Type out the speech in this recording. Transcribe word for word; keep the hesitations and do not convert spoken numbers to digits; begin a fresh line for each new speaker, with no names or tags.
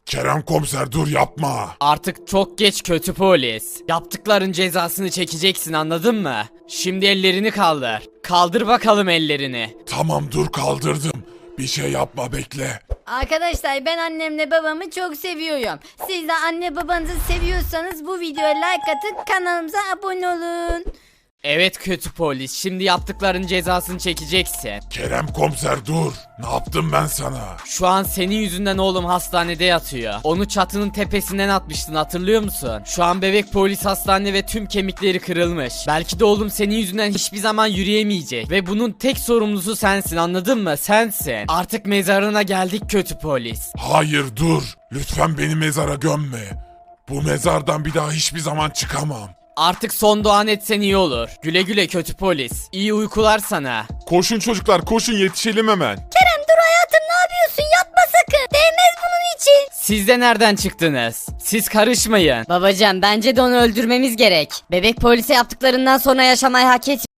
Kerem komiser dur yapma.
Artık çok geç kötü polis. Yaptıkların cezasını çekeceksin, anladın mı? Şimdi ellerini kaldır. Kaldır bakalım ellerini.
Tamam dur kaldırdım. Bir şey yapma bekle.
Arkadaşlar ben annemle babamı çok seviyorum. Siz de anne babanızı seviyorsanız bu videoya like atın, kanalımıza abone olun.
Evet kötü polis, şimdi yaptıkların cezasını çekeceksin.
Kerem komiser dur. Ne yaptım ben sana?
Şu an senin yüzünden oğlum hastanede yatıyor. Onu çatının tepesinden atmıştın, hatırlıyor musun? Şu an bebek polis hastane ve tüm kemikleri kırılmış. Belki de oğlum senin yüzünden hiçbir zaman yürüyemeyecek. Ve bunun tek sorumlusu sensin, anladın mı? Sensin. Artık mezarına geldik kötü polis.
Hayır dur. Lütfen beni mezara gömme. Bu mezardan bir daha hiçbir zaman çıkamam.
Artık son duan etsen iyi olur. Güle güle kötü polis. İyi uykular sana.
Koşun çocuklar koşun yetişelim hemen.
Kerem dur hayatım, ne yapıyorsun? Yapma sakın. Değmez bunun için.
Siz de nereden çıktınız? Siz karışmayın.
Babacığım bence de onu öldürmemiz gerek. Bebek polise yaptıklarından sonra yaşamayı hak etmiyor.